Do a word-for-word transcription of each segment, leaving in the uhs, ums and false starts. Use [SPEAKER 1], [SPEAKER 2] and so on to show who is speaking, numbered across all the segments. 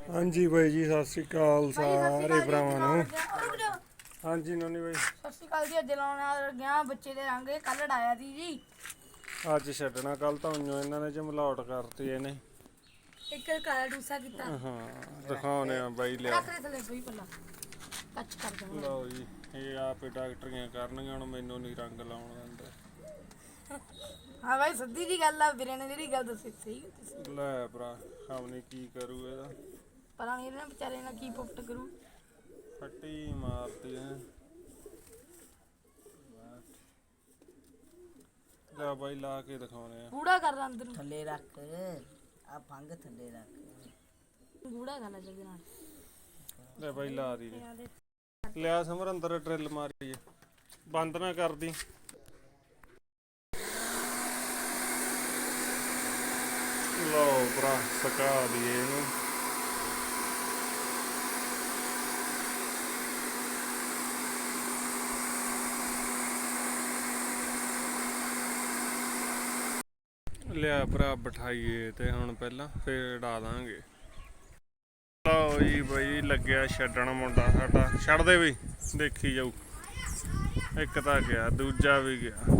[SPEAKER 1] हाँ जी भाई जी सत श्री अकाल सारे भरावां नूं। हाँ जी नोनी भाई
[SPEAKER 2] सत श्री अकाल जी। अज लाने गया बच्चे दे रंग कल डाया थी जी।
[SPEAKER 1] अज छड्डना कल तो उइयों इन्हां ने झमलावट करती इहने
[SPEAKER 2] एक काला डूसा कीता।
[SPEAKER 1] हाँ दिखाने आ बाई लिया
[SPEAKER 2] रख दे थले कोई पल्ला टच कर दे।
[SPEAKER 1] लो जी ये आप डॉक्टरियां करनगे हुण मैनूं नहीं रंग लाउण दिंदे।
[SPEAKER 2] हाँ भाई सीधी जी गल आ वीरे ने जेहड़ी गल दसी सही
[SPEAKER 1] लै भरा खबनी की करू ਇਹਦਾ
[SPEAKER 2] पता नहीं इहने बेचारे ने की पुफ्ट करू
[SPEAKER 1] फट्टी मारती है। ਲੈ ਬਾਈ ਲਾ ਕੇ ਦਿਖਾਉਣੇ ਆ
[SPEAKER 2] गूड़ा कर रहा अंदर
[SPEAKER 3] ਥੱਲੇ ਰੱਖ ਆ ਫੰਗ ਥੱਲੇ ਰੱਖ
[SPEAKER 2] गूड़ा करना जल्दी नाल।
[SPEAKER 1] ਲੈ ਬਾਈ ਲਾ ਦੀ ਲਿਆ ਸਮਰ ਅੰਦਰ ਡਰਿਲ ਮਾਰੀਏ ਬੰਦ ਨਾ ਕਰਦੀ। ਲਓ ਭਰਾ ਸਕਾ ਦਈਏ ਇਹਨੂੰ ਲਿਆ ਭਰਾ ਬਿਠਾਈਏ ਤੇ ਹੁਣ ਪਹਿਲਾਂ ਫੇਰ ਉਡਾ ਦਾਂਗੇ। ਲਓ ਜੀ ਬਈ ਲੱਗਿਆ ਛੱਡਣ ਮੁੰਡਾ ਸਾਡਾ ਛੱਡ ਦੇ ਬਈ ਦੇਖੀ ਜਾਊ। ਇੱਕ ਤਾਂ ਗਿਆ ਦੂਜਾ ਵੀ ਗਿਆ।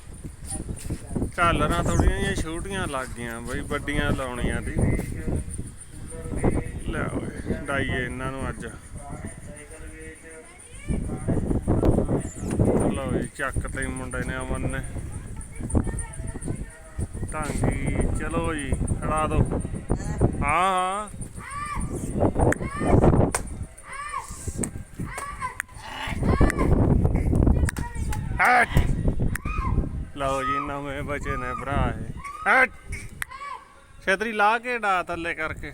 [SPEAKER 1] ਝਾਲਰਾਂ ਥੋੜੀਆਂ ਜਿਹੀਆਂ ਛੋਟੀਆਂ ਲੱਗ ਗਈਆਂ ਬਈ ਵੱਡੀਆਂ ਲਾਉਣੀਆਂ ਦੀ। ਲੈ ਓਏ ਡਾਈਏ ਇਹਨਾਂ ਨੂੰ ਅੱਜ। ਲਓ ਜੀ ਚੱਕ ਤੇ ਮੁੰਡੇ ਨੇ ਅਮਨ ਨੇ ਢਾਂਗੀ। ਚਲੋ ਜੀ ਉਡਾ ਦੋ। ਹਾਂ ਹਾਂ ਲਓ ਜੀ ਨਵੇਂ ਬਚੇ ਨੇ ਭਰਾ ਇਹ ਛੇਤਰੀ ਲਾ ਕੇ ਡਾ ਥੱਲੇ ਕਰਕੇ।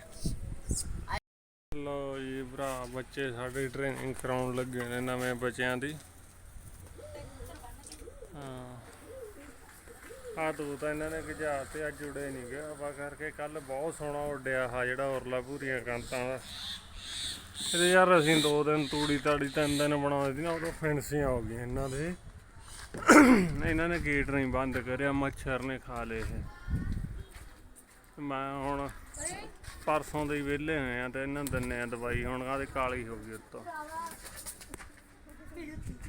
[SPEAKER 1] ਲਓ ਜੀ ਭਰਾ ਬੱਚੇ ਸਾਡੇ ਟ੍ਰੇਨਿੰਗ ਕਰਾਉਣ ਲੱਗੇ ਨੇ ਨਵੇਂ ਬੱਚਿਆਂ ਦੀ। ਹਾਂ ਆ ਤੂੰ ਤਾਂ ਇਹਨਾਂ ਨੇ ਗਜਾ ਤੇ ਅੱਜ ਉੜੇ ਨਹੀਂ ਗਿਆ ਹਵਾ ਕਰਕੇ। ਕੱਲ ਬਹੁਤ ਸੋਹਣਾ ਉੱਡਿਆ ਆ ਜਿਹੜਾ ਉਰਲਾ ਭੂਰੀਆਂ ਕੰਤਾਂ ਦਾ। ਇਹਦੇ ਯਾਰ ਅਸੀਂ ਦੋ ਦਿਨ ਤੂੜੀ ਤਾੜੀ ਤਿੰਨ ਦਿਨ ਬਣਾਉਂਦੇ ਸੀ ਨਾ ਉਦੋਂ ਫੈਂਸੀਆਂ ਹੋ ਗਈਆਂ ਇਹਨਾਂ ਦੇ। ਇਹਨਾਂ ਨੇ ਗੇਟ ਨਹੀਂ ਬੰਦ ਕਰਿਆ ਮੱਛਰ ਨੇ ਖਾ ਲਏ ਇਹ। ਮੈਂ ਹੁਣ ਪਰਸੋਂ ਦੇ ਹੀ ਵਿਹਲੇ ਹੋਏ ਆ ਤੇ ਇਹਨਾਂ ਨੂੰ ਦਿੰਦੇ ਆ ਦਵਾਈ। ਹੁਣ ਆਹ ਕਾਲੀ ਹੋ ਗਈ ਉੱਤੋਂ।